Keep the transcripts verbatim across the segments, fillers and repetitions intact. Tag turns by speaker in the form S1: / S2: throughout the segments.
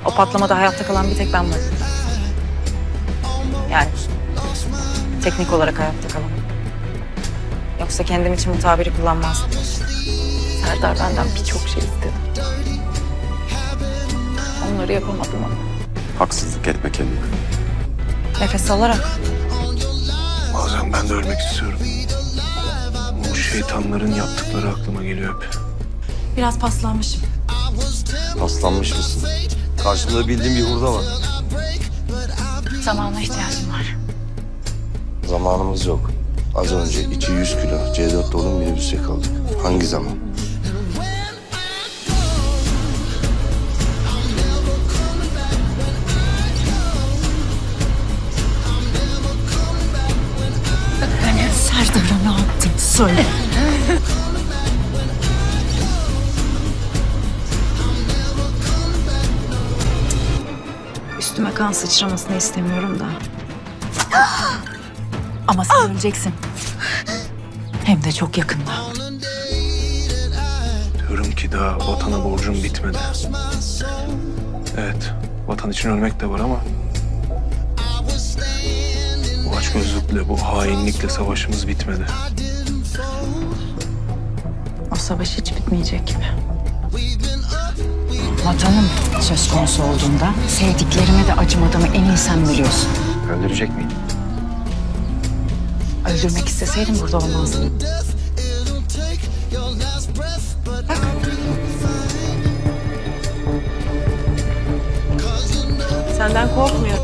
S1: O patlamada hayatta kalan bir tek ben varım. Yani teknik olarak hayatta kalan. Yoksa kendim için bu tabiri kullanmazdım. Serdar benden birçok şey istedi. Onları yapamadım ama.
S2: Haksızlık etme kendine.
S1: Nefes alarak.
S3: Bazen ben de ölmek istiyorum. Bu şeytanların yaptıkları aklıma geliyor hep.
S1: Biraz paslanmışım.
S2: Paslanmış mısın? Karşımda bildiğim bir hurda var.
S1: Zamana ihtiyacım var.
S2: Zamanımız yok. Az önce iki yüz kilo C dört dolu minibüse kaldık. Hangi zaman?
S1: Serdar'a ne yaptın? Söyle. Üstüme kan sıçramasını istemiyorum da. Ama sen öleceksin. Hem de çok yakında.
S3: Diyorum ki daha vatana borcum bitmedi. Evet, vatan için ölmek de var ama... bu açgözlükle, bu hainlikle savaşımız bitmedi.
S1: O savaş hiç bitmeyecek gibi. Vatanım söz konusu olduğunda sevdiklerime de acımadığımı en iyi sen biliyorsun.
S2: Öldürecek miyim?
S1: Öldürmek isteseydim burada olmazdım. Bak. Senden korkmuyor.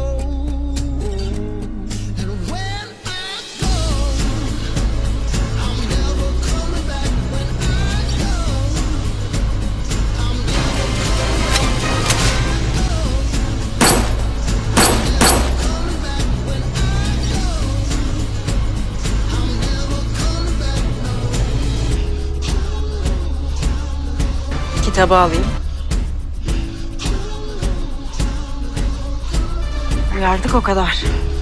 S1: Kitabı alayım. Uyardık o kadar.